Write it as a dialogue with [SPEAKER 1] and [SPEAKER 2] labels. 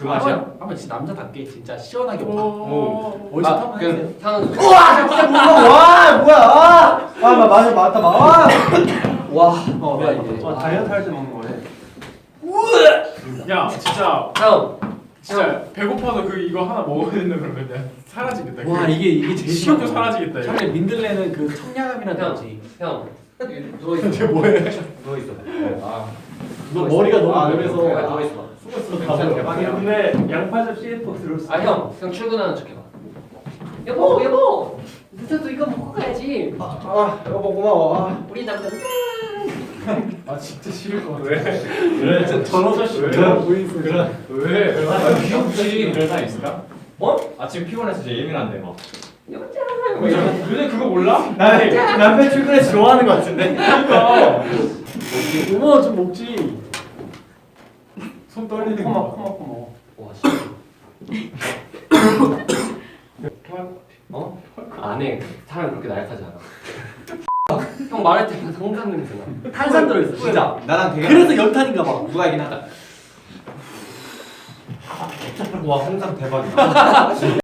[SPEAKER 1] 그 맛이야?
[SPEAKER 2] 한번 진짜 남자답게 진짜 시원하게 먹어.
[SPEAKER 1] 오.
[SPEAKER 2] 어디서 한번 해주세요.
[SPEAKER 3] 향은
[SPEAKER 4] 우와 진짜 무서워. 와 뭐야? 아 맞아 맞다 마. 와.
[SPEAKER 2] 나 이제.
[SPEAKER 4] 다이어트 할 때 먹는 거네.
[SPEAKER 5] 야 진짜
[SPEAKER 3] 형
[SPEAKER 5] 진짜 배고파서 그 이거 하나 먹어야 된다 그러면 그냥 사라지겠다.
[SPEAKER 2] 와 이게 제일
[SPEAKER 5] 식욕도
[SPEAKER 2] 심하다.
[SPEAKER 5] 사라지겠다. 이거.
[SPEAKER 2] 차라리 민들레는 그 청량함이라든지.
[SPEAKER 3] 형 누워있어.
[SPEAKER 5] 이게 뭐해?
[SPEAKER 3] 누워있어.
[SPEAKER 2] 너 머리가 너무
[SPEAKER 3] 그래,
[SPEAKER 2] 오래서
[SPEAKER 3] 누워있어.
[SPEAKER 2] 숨었어.
[SPEAKER 4] 대박이야. 근데 양파즙 CF 들었어.
[SPEAKER 3] 형 출근하는 척 해봐. 여보 늦어도 이거 먹고 가야지.
[SPEAKER 4] 여보 고마워.
[SPEAKER 3] 우리 남자
[SPEAKER 5] 아 진짜 싫을 것 같아.
[SPEAKER 1] 그래
[SPEAKER 2] 전화서
[SPEAKER 1] 그래.
[SPEAKER 2] 보이스.
[SPEAKER 1] 왜?
[SPEAKER 3] 귀엽지.
[SPEAKER 1] 그런 사람 있을까?
[SPEAKER 3] 어?
[SPEAKER 1] 아침 피곤해서 이제 예민한데 막.
[SPEAKER 3] 여자.
[SPEAKER 5] 근데 그거 몰라?
[SPEAKER 4] 남편 출근해서 좋아하는 거 같은데.
[SPEAKER 2] 어머 좀 먹지.
[SPEAKER 5] 손 떨리는
[SPEAKER 2] 코마
[SPEAKER 5] 거.
[SPEAKER 2] 코마 코마.
[SPEAKER 3] 와 씨. 어? 안해. 사람 그렇게 나약하지 않아. 형 말할 때 항상 냄새 나.
[SPEAKER 2] 탄산 들어있어 진짜.
[SPEAKER 4] 나랑 되게.
[SPEAKER 2] 그래서 연탄인가 봐.
[SPEAKER 4] 누가이긴 하다. 와 홍삼 대박이다.